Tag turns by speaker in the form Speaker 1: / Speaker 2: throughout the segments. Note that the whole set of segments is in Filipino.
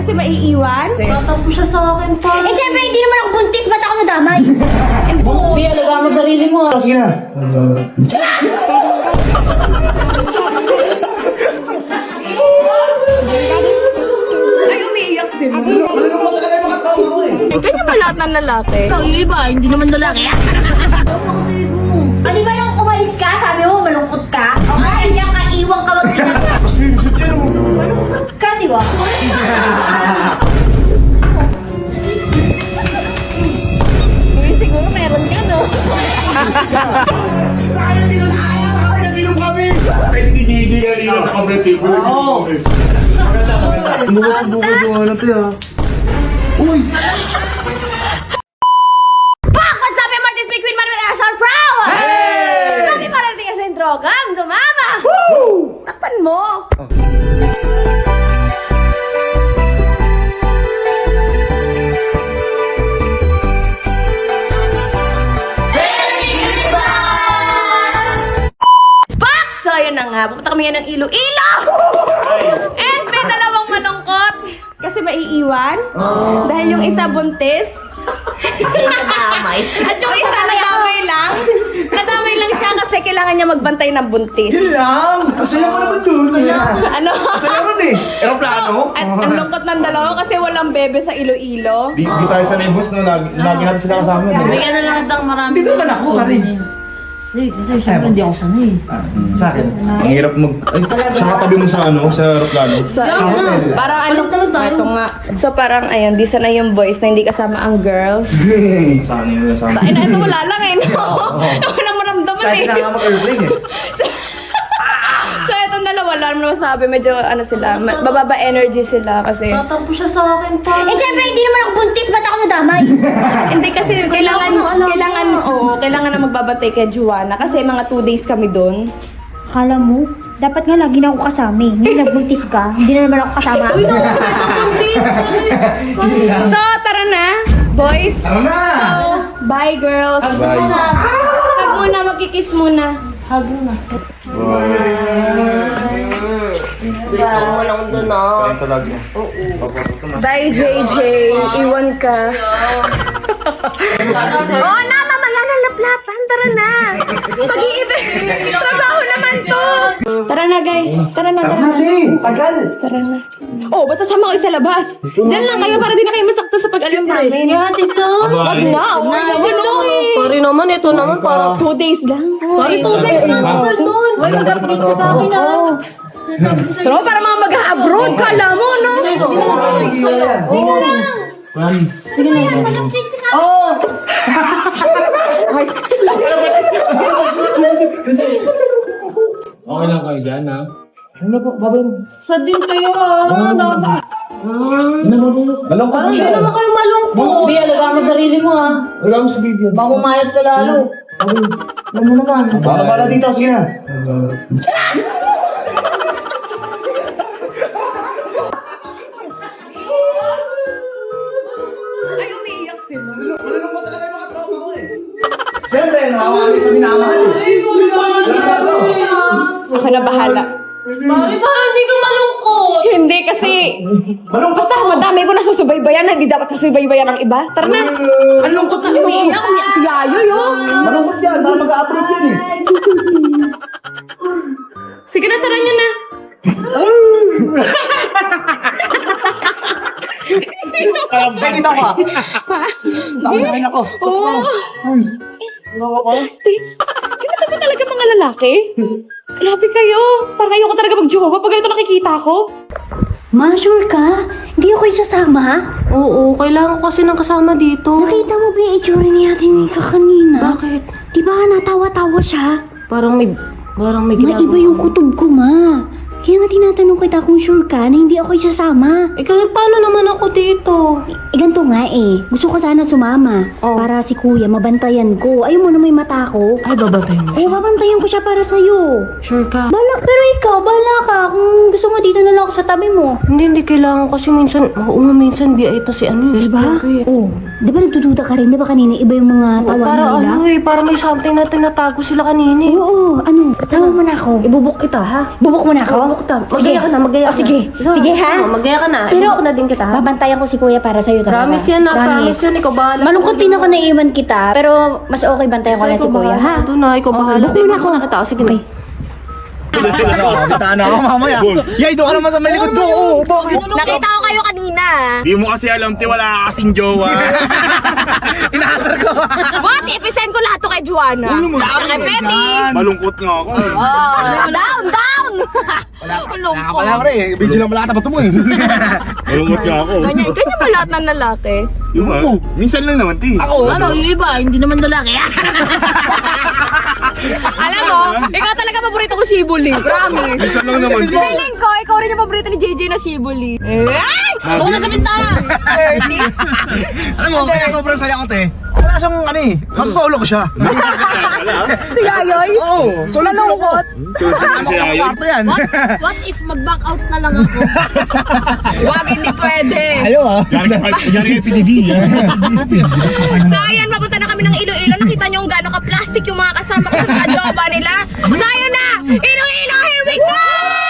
Speaker 1: Kasi maiiwan?
Speaker 2: Tatampo siya sa akin pa.
Speaker 3: Eh, syempre, hindi naman ako buntis. Ba't ako nadamay?
Speaker 2: Bi, alaga mo sarili mo ah.
Speaker 4: Sige na.
Speaker 1: Ay, umiiyak sila.
Speaker 4: Malulungkot talaga yung mga trauma ko eh.
Speaker 1: Ganyan ba lahat ng lalaki?
Speaker 2: Ikaw, yung iba, hindi naman lalaki. Ano kasi mo?
Speaker 3: Ah, di ba nung umalis ka, sabi mo, malungkot ka? O kaya diyan ka, iwang ka mag-inag.
Speaker 4: Mas bibisot yan oh.
Speaker 3: Malungkot ka, di ba?
Speaker 1: Uy, siguro meron ka, no?
Speaker 4: Sayang dito sa kaya. Nag-inom kami.
Speaker 5: Hindi kanina sa kabretibo.
Speaker 4: Oo. Maganda, maganda. Bukod yung ano to ah. Uy!
Speaker 1: What's up, Martin Speak with Manuel Asar Prow! Hey! Kami parating ka sa introgang, dumama! Woo! Takpan mo! So, yun na nga. Pupunta kami ngayon ng Iloilo! And may dalawang malungkot. Kasi maiiwan. Dahil yung isa buntis.
Speaker 2: Nadamay.
Speaker 1: At yung isa nadamay lang. Nadamay lang siya kasi kailangan niya magbantay ng buntis.
Speaker 4: Yun lang! Masaya mo naman doon.
Speaker 1: Ano?
Speaker 4: Masaya ron eh. Aeroplano?
Speaker 1: At ang lungkot ng dalawa kasi walang bebe sa Iloilo.
Speaker 4: Di tayo sanay boss no. Lagi natin sila kasama.
Speaker 2: Bigyan na lang ng marami.
Speaker 4: Dito naman ako, pare.
Speaker 2: Eh, kasi syempre hindi ako sanay.
Speaker 4: Sa akin. Ang hirap mag... Ay, siya katabi mo sa ano, sa aeroplano.
Speaker 1: Parang ano, ito nga. So parang ayun, di sana yung boys na hindi kasama ang girls.
Speaker 4: Sana yun kasama.
Speaker 1: Ay na, ito wala lang eh, no? Walang maramdaman
Speaker 4: Sa akin
Speaker 1: eh.
Speaker 4: na nga mag-airplane eh.
Speaker 1: So itong dalawa, wala naman masabi, medyo ano sila, bababa energy sila kasi
Speaker 2: Tatampo siya sa akin pa.
Speaker 3: Eh, syempre, hindi naman ako buntis. Ba't ako nadamay?
Speaker 1: hindi kasi kailangan na magbabantay kay Juana kasi mga 2 days kami doon.
Speaker 3: Akala mo, dapat nga lagi na ako kasama eh. Hindi nagbuntis ka, hindi na naman ako kasama.
Speaker 1: So tara na, boys.
Speaker 4: Tara na!
Speaker 1: So, bye girls.
Speaker 4: Bye.
Speaker 1: Hug muna, magkikiss muna.
Speaker 2: Hug na. Bigyan mo lang doon ah.
Speaker 4: Ito lagi.
Speaker 1: Bye JJ, iwan ka. Oo na, mamaya na laplapan. Tara na. Pag-iibig. Trabaho naman to. Tara na guys. Tara na.
Speaker 4: Tara na, Ling! Tagal!
Speaker 1: Tara na. Oh, ba't sasama kayo sa labas? Diyan lang kayo para di na kayo masakto sa pag-alis namin.
Speaker 2: Yan, tito.
Speaker 1: Wag na. Oh,
Speaker 2: Pare naman, ito naman para.
Speaker 1: 2 days lang.
Speaker 2: Pare, 2 days na tagal doon. Uy, mag-update ka sa akin ah.
Speaker 1: Pero para mga mag-abroad, kala mo, no?
Speaker 3: Dito lang.
Speaker 4: Promise.
Speaker 3: Mag-update ka sa akin.
Speaker 1: Oh.
Speaker 5: Okay lang kayo dyan, ha?
Speaker 4: Ano ba? Babay mo.
Speaker 2: Sad din kayo ah.
Speaker 4: Malungkot
Speaker 2: Parang
Speaker 4: siya.
Speaker 2: hindi naman kayo malungkot. Bi, alaga mo sarili mo ah.
Speaker 4: Wala mo sa bibig.
Speaker 2: Baka umayat ka lalo. Alam mo naman.
Speaker 4: Para dito, sige na.
Speaker 1: Ay, umiiyak sila.
Speaker 4: Malulungkot talaga yung mga trauma ko eh. Siyempre, nakawali sa minamahal eh.
Speaker 1: Ako na bahala.
Speaker 2: Pare, parang hindi ka malungkot.
Speaker 1: Hindi kasi,
Speaker 4: Malungkot
Speaker 1: basta madami ko nasusubaybayan na hindi dapat masubaybayan ng iba. Tara na. Ang lungkot na umiiyak. Umiiyak si Yayo, yun.
Speaker 4: Malungkot yan, para mag-a-approve yan eh.
Speaker 1: Sige na, sara nyo na.
Speaker 4: Bakit ako ah? Saan ako?
Speaker 1: Oo. Plastic. Ganito ba talaga mga lalaki? Grabe kayo. Parang ayoko talaga mag-jowa pag ganito nakikita ko.
Speaker 3: Ma, sure ka? Hindi ako isasama?
Speaker 2: Oo, kailangan ko kasi ng kasama dito.
Speaker 3: Nakita mo ba yung itsura ni Ate Nika kanina?
Speaker 2: Bakit?
Speaker 3: Di ba natawa-tawa siya?
Speaker 2: Parang may ginagawa.
Speaker 3: Maiba yung kutob ko, ma. Kaya nga tinatanong kita kung sure ka na hindi ako isasama.
Speaker 2: Ikaw, paano naman ako dito?
Speaker 3: Ganito nga eh. Gusto ko sana sumama.
Speaker 2: Oh.
Speaker 3: Para si kuya mabantayan ko. Ayaw mo na may mata ko.
Speaker 2: Ay, babantayan mo
Speaker 3: Oo, babantayan ko siya para sa'yo.
Speaker 2: Sure ka?
Speaker 3: Pero ikaw, bala ka. Kung gusto mo dito na lang ako sa tabi mo.
Speaker 2: Hindi kailangan kasi minsan, minsan BI ito si ano.
Speaker 3: Diba?
Speaker 2: Oh.
Speaker 3: Di ba nagdududa ka rin? Di ba kanina iba yung mga tawanan
Speaker 2: Para
Speaker 3: nila?
Speaker 2: ano eh, para may something na tinatago sila kanina eh.
Speaker 3: Oo, ano? Sama mo na ako.
Speaker 2: Ibubuk kita ha?
Speaker 3: Bubuk mo na ako?
Speaker 2: Ibubuk kita. Magaya ka na, magaya ka na.
Speaker 3: Sige. Sige, ha?
Speaker 2: Magaya ka na.
Speaker 3: Pero,
Speaker 2: Ibubuk na din kita ha?
Speaker 3: babantayan ko si kuya para sa'yo talaga.
Speaker 2: Promise yan na, promise yan. Ikaw bahala.
Speaker 3: Malungkot din ako na iwan kita, pero mas okay bantayan ko na si kuya, ha?
Speaker 2: Doon na, ikaw bahala.
Speaker 3: Bubuk mo na ako.
Speaker 2: Kita. Sige na.
Speaker 4: Kabitaan na ako mamaya. Yay, doon ka naman sa may likod ko. Oo, bakit?
Speaker 1: Nakita ko kayo kanina.
Speaker 5: Di mo kasi alam, ti, wala kasing jowa.
Speaker 4: Inaasar ko.
Speaker 1: What? Ipisend ko lahat to kay Juana. Saka kay Betty.
Speaker 5: Malungkot nga ako.
Speaker 1: Down!
Speaker 4: Wala pre, video lang malata ba ito mo eh.
Speaker 5: Malungkot nga ako.
Speaker 1: Ganyan ba lahat ng lalaki?
Speaker 5: Yung minsan lang naman, ti.
Speaker 4: Ako,
Speaker 1: Ano, yung iba, hindi naman lalaki. Alam mo, ikaw talaga paborito ko Shibuli. Promise.
Speaker 5: Minsan lang naman, ti.
Speaker 1: Feeling ko, ikaw rin yung paborito ni JJ na Shibuli. Ay! Huwag na sa bintana! 30.
Speaker 4: alam mo, kaya sobrang saya ko te. Wala siyang ano eh, masasolo ko siya.
Speaker 1: Si Yayoy?
Speaker 4: Oo, solo ko.
Speaker 5: Kasi ayaw.
Speaker 4: Parto yan.
Speaker 1: What if mag-back out na lang ako? Wag, hindi pwede.
Speaker 4: Ayaw ah.
Speaker 5: Yari kay PDD.
Speaker 1: So ayan, mapunta na kami ng Iloilo. Nakita niyo kung gaano ka-plastic yung mga kasama ko sa mga jowa nila. So ayan na! Iloilo, here we go!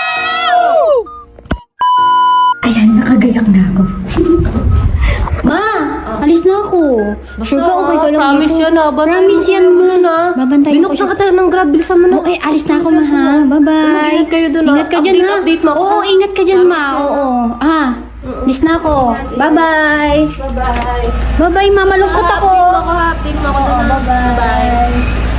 Speaker 3: Ayan, nakagayak na ako. Ma, alis na ako. Sure ka, okay ka lang
Speaker 2: Promise
Speaker 3: dito?
Speaker 2: yan ha.
Speaker 3: Promise yan, ma. Babantayan ko
Speaker 2: Binok
Speaker 3: siya.
Speaker 2: na kita ng grab. Bilisan mo na.
Speaker 3: Oo, alis na ako, ma, ha? Bye-bye.
Speaker 2: Mag-ingat kayo dun, ha?
Speaker 3: Ingat ka dyan, ha?
Speaker 2: Update mo ako,
Speaker 3: Oo,
Speaker 2: ha?
Speaker 3: ingat ka dyan, ma. Oo. Alis na ako. Bye-bye. Bye-bye, ma. Malungkot ako.
Speaker 2: Update mo ako dun, ha?
Speaker 3: Bye-bye.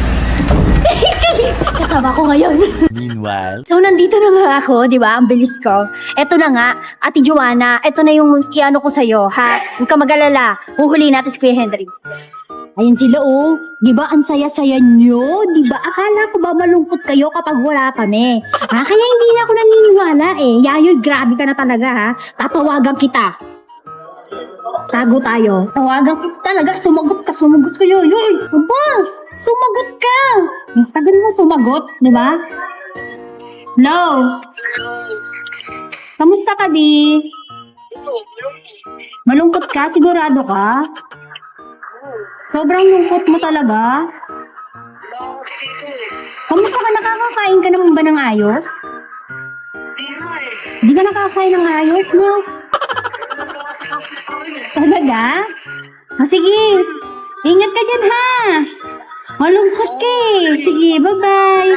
Speaker 3: Kasama ko ngayon.
Speaker 4: Meanwhile.
Speaker 3: So, nandito na nga ako, di ba? Ang bilis ko. Eto na nga, Ate Joanna, eto na yung iano ko sa'yo, ha? Huwag ka mag-alala. Huhuli natin si Kuya Henry. Ayan sila, oh. Di ba, ang saya-saya nyo? Di ba, akala ko ba malungkot kayo kapag wala kami? Ha? Kaya hindi na ako naniniwala, eh. Yayoy, grabe ka na talaga, ha? Tatawagan kita. Tago tayo. Tawagan kita talaga. Sumagot ka, Yayoy. Aba, sumagot ka. Ang tagal mo sumagot, di ba? Hello? Kamusta ka, Bi? Malungkot ka? Sigurado ka? Sobrang lungkot mo talaga? Kamusta ka? Nakakakain ka naman ba ng ayos? Di ka nakakain ng ayos, no? Talaga? Sige. Ingat ka dyan, ha? Malungkot ka eh. Sige, bye-bye.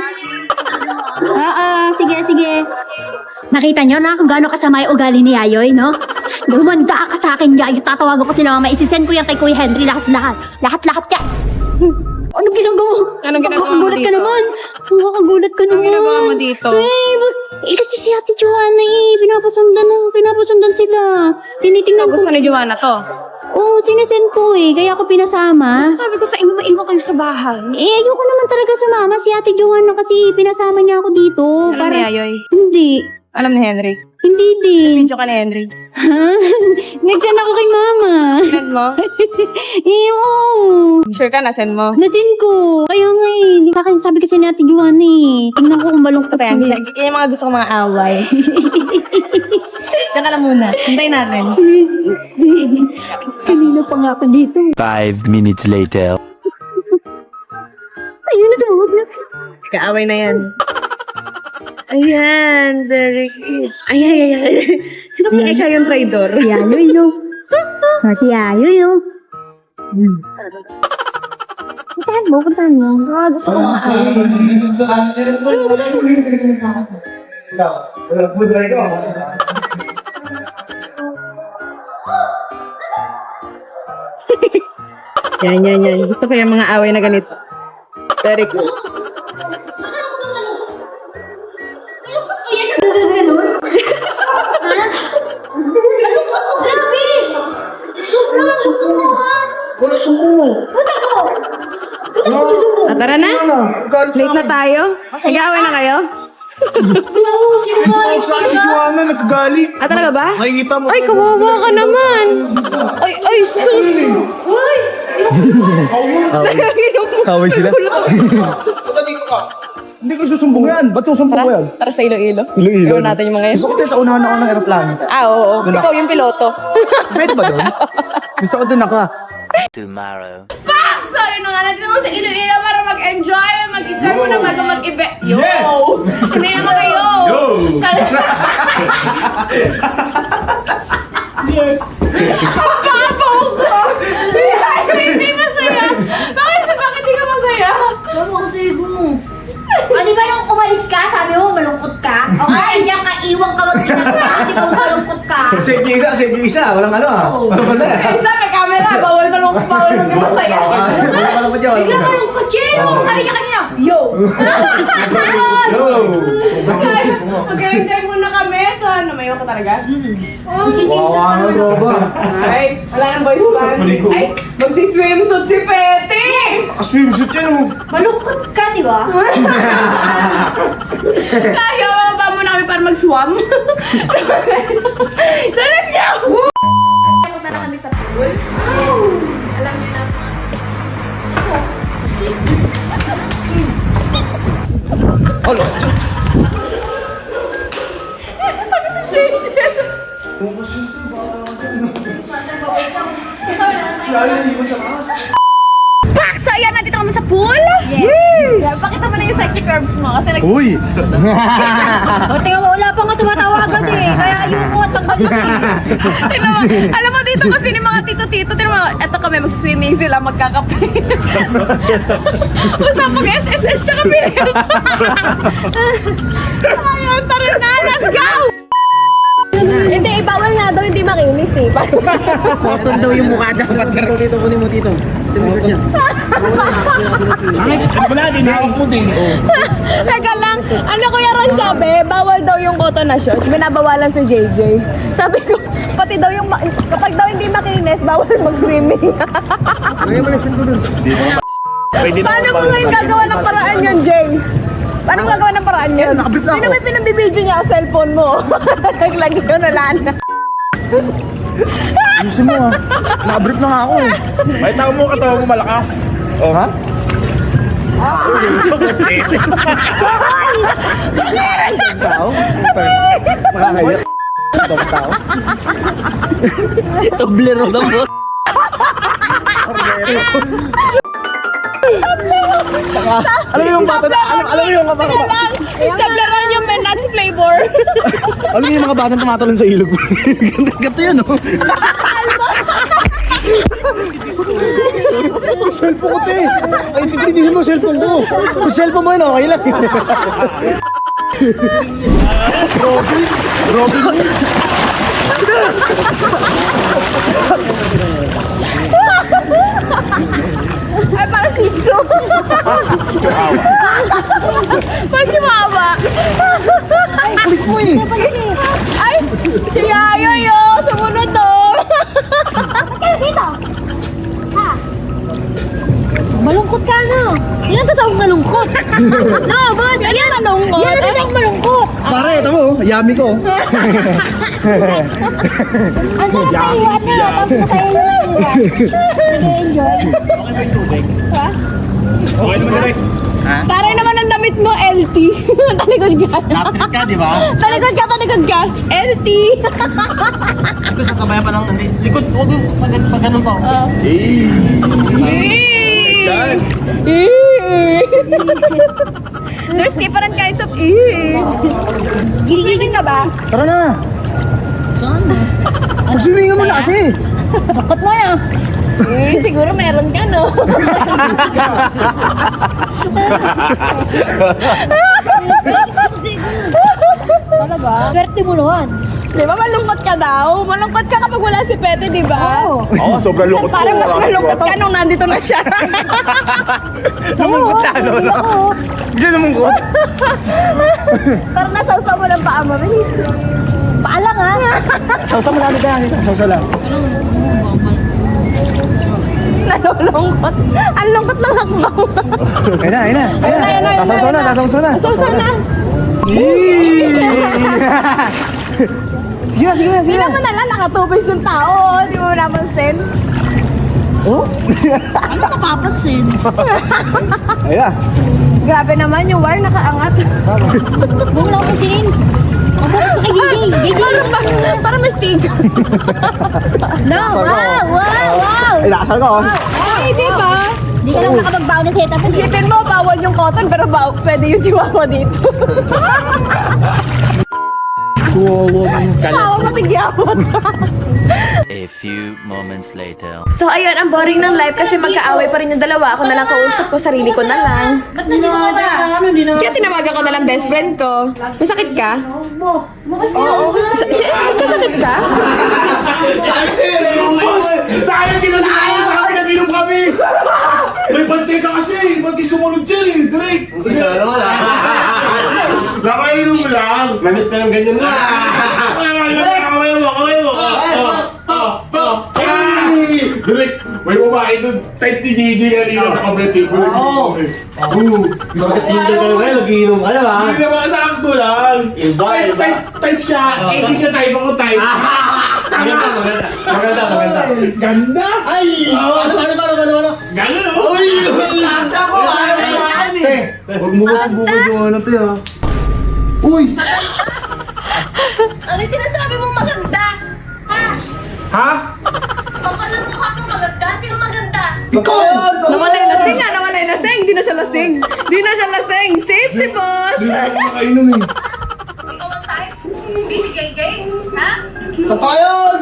Speaker 3: Sige. Nakita nyo na kung gaano kasama yung ugali ni Yayoy, no? Lumanda ka sa akin, Yayoy. Tatawagan ko sila mama. Isisend ko yan kay Kuya Henry. Lahat. Lahat yan. Anong ginagawa?
Speaker 1: Anong ginagawa mo
Speaker 3: Nakakagulat ka
Speaker 1: dito?
Speaker 3: naman. Nakakagulat ka naman.
Speaker 1: ginagawa mo dito?
Speaker 3: Kasi si Ate Joanna pinapasundan sila. Tinitingnan ko.
Speaker 1: Gusto ni Joanna to.
Speaker 3: Oo, sinesend ko eh. Kaya ako pinasama.
Speaker 1: Sabi ko sa inyo, maiwan kayo sa bahay.
Speaker 3: Ayoko naman talaga sumama. Si Ate Joanna kasi pinasama niya ako dito.
Speaker 1: Alam ni Yayoy?
Speaker 3: Hindi.
Speaker 1: Alam ni Henry?
Speaker 3: Hindi din.
Speaker 1: Video ka ni Henry.
Speaker 3: Ha? Nag-send ako kay mama.
Speaker 1: Send mo?
Speaker 3: Oo.
Speaker 1: Sure ka na, send mo?
Speaker 3: Nasend ko. Kaya nga eh. Sa akin, sabi kasi ni Ate Joanna eh. Tingnan ko kung balong
Speaker 1: Gusto ko yan. Yan yung mga gusto ko mga away. Diyan ka lang muna. Hintayin natin.
Speaker 3: Kanina pa nga ako dito.
Speaker 6: 5 minutes later.
Speaker 3: Ayun na, tumawag na.
Speaker 1: Kaaway na yan. Ayan, very cute. Ay. Sino kaya ikaw yung traidor?
Speaker 3: Si Yayoy, no? Si Yayoy, no? Puntahan mo.
Speaker 1: Gusto ko mga Yan. Gusto ko yung mga away na ganito. Very cool. Tara na. Late na tayo. Nag-away na kayo?
Speaker 4: Tumawag sa akin si Joanna, nagkagalit.
Speaker 1: Talaga ba?
Speaker 4: Makikita mo.
Speaker 1: Ay, kawawa ka naman. Ay, sus.
Speaker 4: Kaway sila. Hindi ko susumbong yan. Ba't susumbong ko yan?
Speaker 1: Tara sa Iloilo.
Speaker 4: Iloilo.
Speaker 1: Iwan natin yung mga yan.
Speaker 4: Gusto ko tayo sa unahan ako ng aeroplano.
Speaker 1: Oo.
Speaker 4: Doon
Speaker 1: Ikaw yung piloto.
Speaker 4: Pwede ba doon? Gusto ko doon ako.
Speaker 6: Tomorrow.
Speaker 1: So, yun na nga, nandito ako sa Iloilo para mag-enjoy. Mag-enjoy mo naman kung mag-event. Yo! Hindi naman kayo! Yo!
Speaker 3: Yes.
Speaker 1: Ang babaw ko! Hindi masaya! Bakit di ka masaya?
Speaker 3: Labo ko sa ibo mo. Di ba nung umalis ka, sabi mo malungkot ka? O kaya diyan ka, iwan ka mag-inagka, di ka malungkot ka.
Speaker 4: Save yung isa. Walang ano ah. Walang pala.
Speaker 1: Isa, may camera. Bawal malungkot, bawal maging masaya.
Speaker 4: Walang pala.
Speaker 3: Bigla malungkot yun. Sabi niya kanina, yo!
Speaker 4: Yo!
Speaker 1: Mag-enjoy muna kami. So, lumayo ka talaga?
Speaker 3: Magsisimsa ka.
Speaker 4: Roba.
Speaker 1: Ay, wala nang boys band. Ay, magsiswimsuit si Petis!
Speaker 4: Swimsuit yan oh.
Speaker 3: Malungkot ka, di ba?
Speaker 1: Kaya, mababa muna kami para mag-swam. So, let's go! Punta na kami sa pool. Alam niyo na.
Speaker 4: Olo.
Speaker 1: Pak! So, ayan, nandito kami sa pool. Yes! Pakita mo na yung sexy curves mo. Kasi like,
Speaker 4: Uy!
Speaker 3: O, tingnan mo, wala pa nga tumatawagan eh. Kaya yung mo, tanggal mo eh.
Speaker 1: Tingnan mo, alam mo dito kasi ni mga tito-tito, tingnan mo, eto kami mag-swimming sila, magkakape. Usapang SSS tsaka pinil. Ayun, tara na, let's go! Hindi, bawal nga daw, hindi makinis eh.
Speaker 7: Cotton daw yung mukha dapat. Tito, kunin mo tito. Tinusot niya.
Speaker 5: Wala din, hawak mo din.
Speaker 1: Teka lang, ano Kuya Ron sabi, bawal daw yung cotton na shorts, binabawalan si JJ. Sabi ko, pati daw yung, kapag daw hindi makinis, bawal mag-swimming.
Speaker 7: Lagyan mo na yung ko dun.
Speaker 5: Pwede na
Speaker 1: Paano mo ngayon gagawa ng paraan yun, Jay? Paano mo gagawa ng paraan yun?
Speaker 7: Nakablip na
Speaker 1: Hindi
Speaker 7: ako.
Speaker 1: naman pinabibidyo niya ang cellphone mo. Naglagi yun, wala na.
Speaker 7: Ayusin mo ah. Nakabrief na nga ako eh.
Speaker 5: May tao mo, katawa mo malakas. Oh, ha?
Speaker 7: Tao? Makakaya. Ibang tao?
Speaker 6: Toblero lang mo.
Speaker 7: Alam mo yung bata na, alam mo yung mga
Speaker 1: Teka lang, tablaran yung Menax flavor.
Speaker 7: alam mo yung mga batang tumatalon sa ilog. Ganda yun oh. Cellphone ko te. Ay, titignan mo cellphone ko. Kung cellphone mo yun, okay lang.
Speaker 1: Ay, parang shih tzu. Parang chihuahua.
Speaker 7: Ay, kulit mo eh.
Speaker 1: Ay, si Yayo yun. Sumunod to.
Speaker 3: Kaya dito. Ha? Malungkot ka na. Yan ang totoong malungkot. No, boss. Yan ang malungkot. Yan ang totoong malungkot.
Speaker 7: Pare, ito mo, yummy ko.
Speaker 3: Ang sarap na iwan na. Tapos masaya na iwan. Nag-enjoy.
Speaker 5: Okay naman direct.
Speaker 1: Parang naman ang damit mo, LT. Talikod ka.
Speaker 7: Napit ka, di ba?
Speaker 1: Talikod ka. LT.
Speaker 7: Ito sa kabayan pa ng likod. Huwag mo, pag ganun pa.
Speaker 1: There's different kinds of Giligigin ka ba?
Speaker 7: Tara na. Saan? Pag-swimming mo na kasi.
Speaker 1: Bakot mo na. Siguro meron ka, no?
Speaker 3: Talaga? Swerte mo naman.
Speaker 1: Di ba malungkot ka daw? Malungkot ka kapag wala si Pete, di ba?
Speaker 3: Oo.
Speaker 5: Oo, sobrang lungkot ko.
Speaker 1: Parang mas malungkot ka nung nandito na siya.
Speaker 7: Samungkot na, ano?
Speaker 3: Ako.
Speaker 7: Diyan naman ko.
Speaker 1: Tara na, sausaw mo ng paa mo. Bilis.
Speaker 3: Paalang ha.
Speaker 7: Sausa mo namin dyan. Sausa lang.
Speaker 1: Nalulungkot. Ang lungkot ng hakbaw.
Speaker 7: Ayun na, ayun na.
Speaker 1: Ayun na.
Speaker 7: Sasawsaw na, sasawsaw na.
Speaker 1: Sausaw na.
Speaker 7: Sige na, sige na,
Speaker 1: Hindi
Speaker 7: sige na.
Speaker 1: naman nala, nakatubis yung tao. Di mo napansin.
Speaker 7: Oh? Ayun na.
Speaker 1: Grabe naman yung wire nakaangat.
Speaker 3: Huwag mo lang pansinin.
Speaker 1: Para may stick.
Speaker 3: No, wow.
Speaker 4: Ay, nakasal ko.
Speaker 1: Ay, di ba?
Speaker 3: Hindi ka lang nakapagbaon na setup.
Speaker 1: Isipin mo, bawal yung cotton, pero pwede yung chihuahua dito. Chihuahua matigyawat.
Speaker 6: A few moments later.
Speaker 1: So, ayun, ang boring ng life kasi magkaaway pa rin yung dalawa. Ako na lang kausap ko, sarili ko na lang.
Speaker 3: Ba't nandito ka ba?
Speaker 1: Kaya tinawagan ko na lang best friend ko. Masakit ka?
Speaker 3: Oo.
Speaker 1: Masakit ka?
Speaker 5: Sayang, di ba sayang? Sa akin, nag-inom kami. May bantay ka kasi. Ba't di sumunod dyan eh? Direk.
Speaker 4: Kasi naman
Speaker 5: Nakainom mo lang.
Speaker 4: Namiss ka ng ganyan na.
Speaker 5: Kamay mo. Direk, may babae doon. Type ni JJ kanina sa kabrete.
Speaker 4: Oo. Bakit single ka ngayon? Nagiinom ka na ba?
Speaker 5: Hindi naman sakto lang.
Speaker 4: Iba.
Speaker 5: Type siya. Eh, hindi siya type. Ako type.
Speaker 4: Maganda.
Speaker 5: Ganda.
Speaker 4: Ay! Ano?
Speaker 5: Ganun oh.
Speaker 4: Uy!
Speaker 5: Sasa ko.
Speaker 4: Huwag mo bukod yung ano to ha. Uy!
Speaker 2: Ano sinasabi mo maganda? Ha?
Speaker 5: Ha?
Speaker 2: Papalan mo ka maganda? Sino maganda?
Speaker 4: Ikaw yan!
Speaker 1: Nawalay lasing nga, nawalay lasing. Di na siya lasing. Safe si boss.
Speaker 5: Hindi na ako makainom eh.
Speaker 2: Ikaw ang type? Hindi si JJ? Ha?
Speaker 4: Tatayan!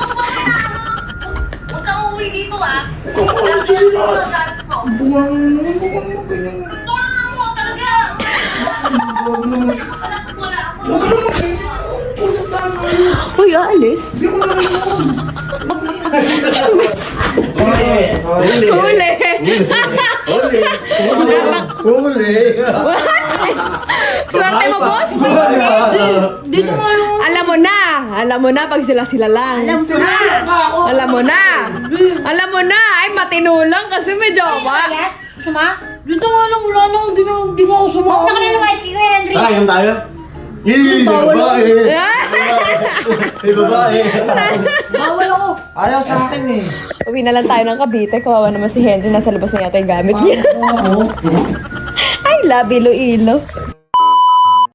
Speaker 2: Huwag kang uuwi dito ah.
Speaker 4: Bungang...
Speaker 2: Tulungan mo talaga. Wala ako.
Speaker 4: Huwag ka naman kayo! Usap tayo!
Speaker 1: Uy, aalis.
Speaker 4: Hindi ako nalalaman! Huli!
Speaker 1: Swerte mo, boss.
Speaker 3: Dito mo ano?
Speaker 1: Alam mo na pag sila lang. Alam mo na. Ay, matino lang kasi may jowa.
Speaker 3: Yes? Suma?
Speaker 7: Dito nga lang, wala nang, di mo ako
Speaker 3: Huwag
Speaker 7: sumama.
Speaker 3: na ka na lumayas kay Kuya Henry.
Speaker 4: Inom tayo? Yee! Babae! May babae!
Speaker 7: Bawal ako.
Speaker 4: Ayaw sa akin eh.
Speaker 1: Uwi na lang tayo ng Cavite. Kawawa naman si Henry. Nasa labas na yata yung gamit niya. I love Iloilo.